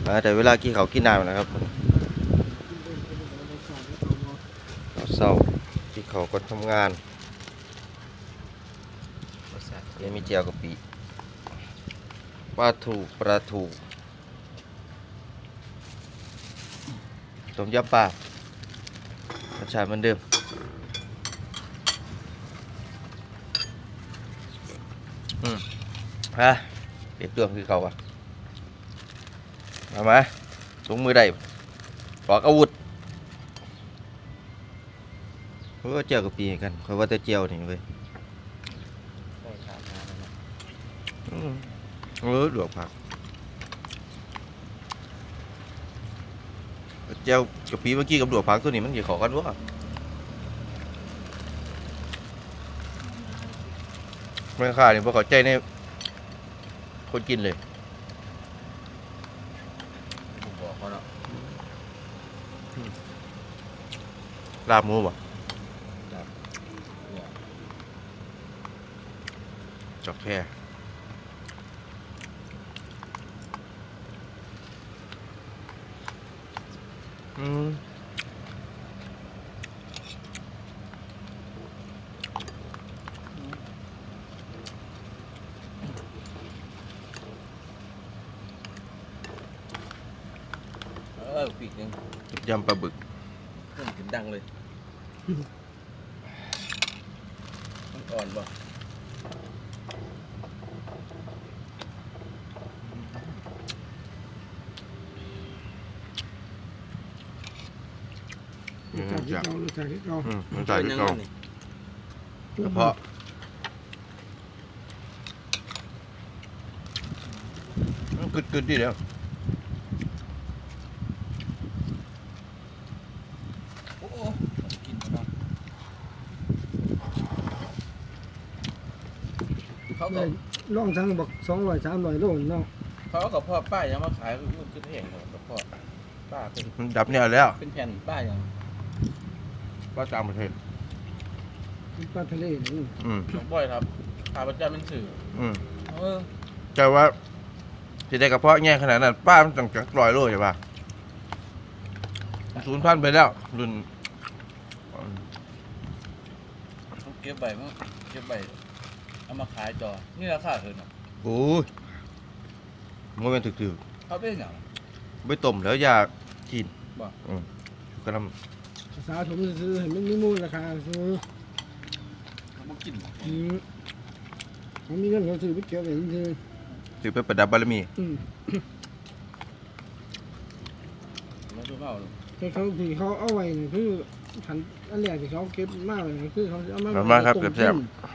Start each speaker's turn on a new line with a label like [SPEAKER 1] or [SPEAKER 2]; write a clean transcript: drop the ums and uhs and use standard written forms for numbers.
[SPEAKER 1] แต่เวลากินเขากินน้ำนะครับเศร้าที่เขาก็ทำงานยังมีเจียวกะปิปลาทูต้มยำปลารสชาติเหมือนเดิมเด็ดตัวคือเขาอะมาลงมือได้ปอกอาวุธเพราะว่าเจียวกะปิกันคอยว่าแต่เจียวนี่เว้ยดวกผักเจียวกะปิเมื่อกี้กับดวกผักตัวนี้มันกี่ขอกันวะไม่ค่าเนี่ยพอเขาใจในคนกินเลยบอกเขาเนาะลาบหมูบ่จอกแค่ปีกนึงยำปลาบึกเพิ่มถึงดังเลยมันอ่อนป่ะ
[SPEAKER 2] รสชาติที่เก่ารสชาติที่เก่าร
[SPEAKER 1] สชาติที่เก่ากระเพาะกึดดีเดียว
[SPEAKER 2] เขาก็ล่องทั้งบอก200-300 โลเนาะ
[SPEAKER 3] เขากับพ่อป้ายังมาขายคือแพงกับพ่อป้าเป็น
[SPEAKER 1] ดับเนี่ยแล้ว
[SPEAKER 3] เป็นแผ่นป้ายัง
[SPEAKER 1] ป้าต่างประเทศ
[SPEAKER 2] ปลาทะเลนี่
[SPEAKER 3] บ่อยครับขาประจำเป็นสื่อ
[SPEAKER 1] แต่ว่าที่ได้กระเพาะแง่ขนาดนั้นป้ามันตั้ง100 โลใช่ป่ะ0,000ไปแล้วรุ่น
[SPEAKER 3] เก็บใบมั้งเก็บใบเอามาขายจอนี่ราคาเท่าไหร่
[SPEAKER 1] โอ้ยมันเป็นถึก
[SPEAKER 3] เขาเป็นอย่าง
[SPEAKER 1] ไม่ต้มแล้วอยากกิน
[SPEAKER 3] บ่
[SPEAKER 1] ก็ท
[SPEAKER 2] ำภาษาผมซื้อเห็นมันมีมูลราคาซื้อ
[SPEAKER 3] มันกิน
[SPEAKER 2] มันมีเงินเขาซื้อไปเก็บไว้
[SPEAKER 1] ซื้อไปประดับบารมี
[SPEAKER 3] แล้วก็เอา
[SPEAKER 2] เขาที่เขาเอาไว้นี่คือขันอันแรกที่เขาเก็บมากเลยคือเขาเอา
[SPEAKER 1] มาครับเก็บแซ่บ